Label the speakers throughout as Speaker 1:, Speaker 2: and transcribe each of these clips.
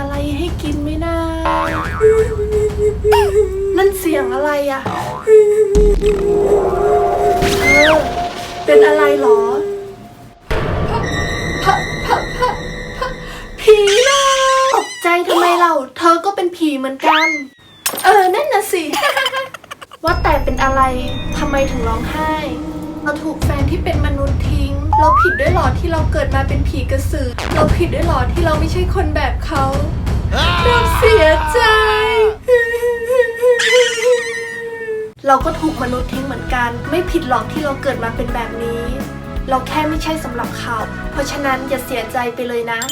Speaker 1: อะไรให้กินไหมนะนั่นเสียงอะไรอะเป็นอะไรหรอผีนะตกใจทำไมเราเธอก็เป็นผีเหมือนกันนั่นน่ะสิ ว่าแต่เป็นอะไรทำไมถึงร้องไห้เราถูกแฟนที่เป็นมนุษย์ทิ้งเราผิดด้วยหรอที่เราเกิดมาเป็นผีกระสือเราผิดด้วยหรอที่เราไม่ใช่คนแบบเขาเราเสียใจ เราก็ถูกมนุษย์ทิ้งเหมือนกันไม่ผิดหรอกที่เราเกิดมาเป็นแบบนี้เราแค่ไม่ใช่สำหรับเขาเพราะฉะนั้นอย่าเสียใจไปเลยนะ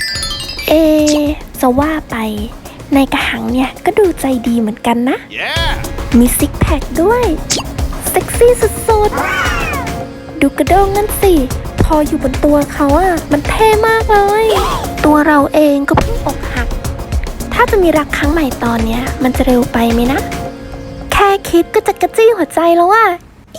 Speaker 2: จะว่าไปในกระหังเนี่ยก็ดูใจดีเหมือนกันนะ มีซิกแพคด้วยเซ็กซี่สุดๆดูกระด้งนั่นสิพออยู่บนตัวเขาอะมันเท่มากเลยตัวเราเองก็เพิ่งอกหักถ้าจะมีรักครั้งใหม่ตอนเนี้ยมันจะเร็วไปไหมนะแค่คิดก็จะกระจี้หัวใจแล้วอะ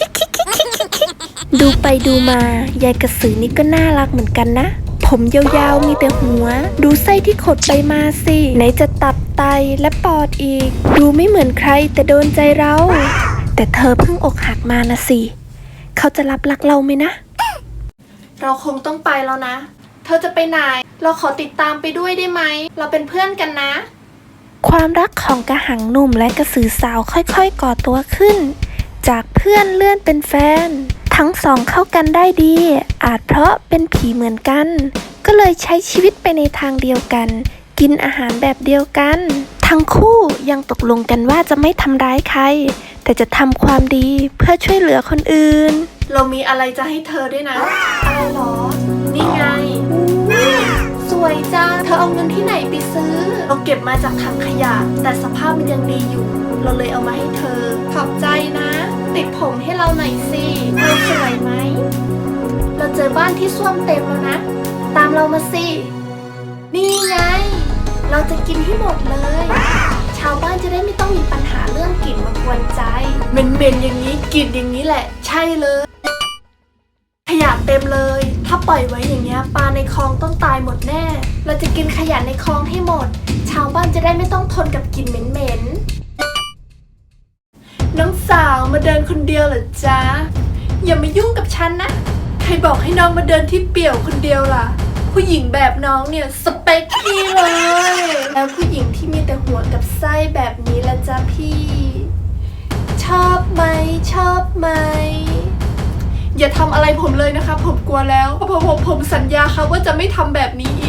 Speaker 2: ดูไปดูมายายกระสือนี่ก็น่ารักเหมือนกันนะผมยาวๆมีแต่หัวดูไส้ที่ขดไปมาสิไหนจะตับไตและปอดอีกดูไม่เหมือนใครแต่โดนใจเราแต่เธอเพิ่งอกหักมานะสิเขาจะรับรักเราไหมนะ
Speaker 1: เราคงต้องไปแล้วนะเธอจะไปไหนเราขอติดตามไปด้วยได้ไหมเราเป็นเพื่อนกันนะ
Speaker 2: ความรักของกระหังหนุ่มและกระสือสาวค่อยๆก่อตัวขึ้นจากเพื่อนเลื่อนเป็นแฟนทั้งสองเข้ากันได้ดีอาจเพราะเป็นผีเหมือนกันก็เลยใช้ชีวิตไปในทางเดียวกันกินอาหารแบบเดียวกันทั้งคู่ยังตกลงกันว่าจะไม่ทำร้ายใครแต่จะทำความดีเพื่อช่วยเหลือคนอื่น
Speaker 1: เรามีอะไรจะให้เธอด้วยนะอะไรหรอนี่ไงสวยจ้าเธอเอาเงินที่ไหนไปซื้อเราเก็บมาจากถังขยะแต่สภาพมันยังดีอยู่เราเลยเอามาให้เธอขอบใจนะติดผมให้เราหน่อยสิเราสวยไหมเราเจอบ้านที่ส้วมเต็มแล้วนะตามเรามาสินี่ไงเราจะกินให้หมดเลยชาวบ้านจะได้ไม่ต้องมีปัญหาเรื่องกลิ่นมากวนใจเหม็นๆอย่างนี้กลิ่นอย่างนี้แหละใช่เลยขยะเต็มเลยถ้าปล่อยไว้อย่างเงี้ยปลาในคลองต้องตายหมดแน่เราจะกินขยะในคลองให้หมดชาวบ้านจะได้ไม่ต้องทนกับกลิ่นเหม็นๆน้องสาวมาเดินคนเดียวเหรอจ๊ะอย่ามายุ่งกับฉันนะใครบอกให้น้องมาเดินที่เปี่ยวคนเดียวล่ะผู้หญิงแบบน้องเนี่ยสเปคพี่เลยแล้วผู้หญิงที่มีแต่หัวกับไส้แบบนี้ละจ๊ะพี่ชอบไหมชอบไหมอย่าทำอะไรผมเลยนะคะผมกลัวแล้วผมสัญญาค่ะว่าจะไม่ทำแบบนี้อีก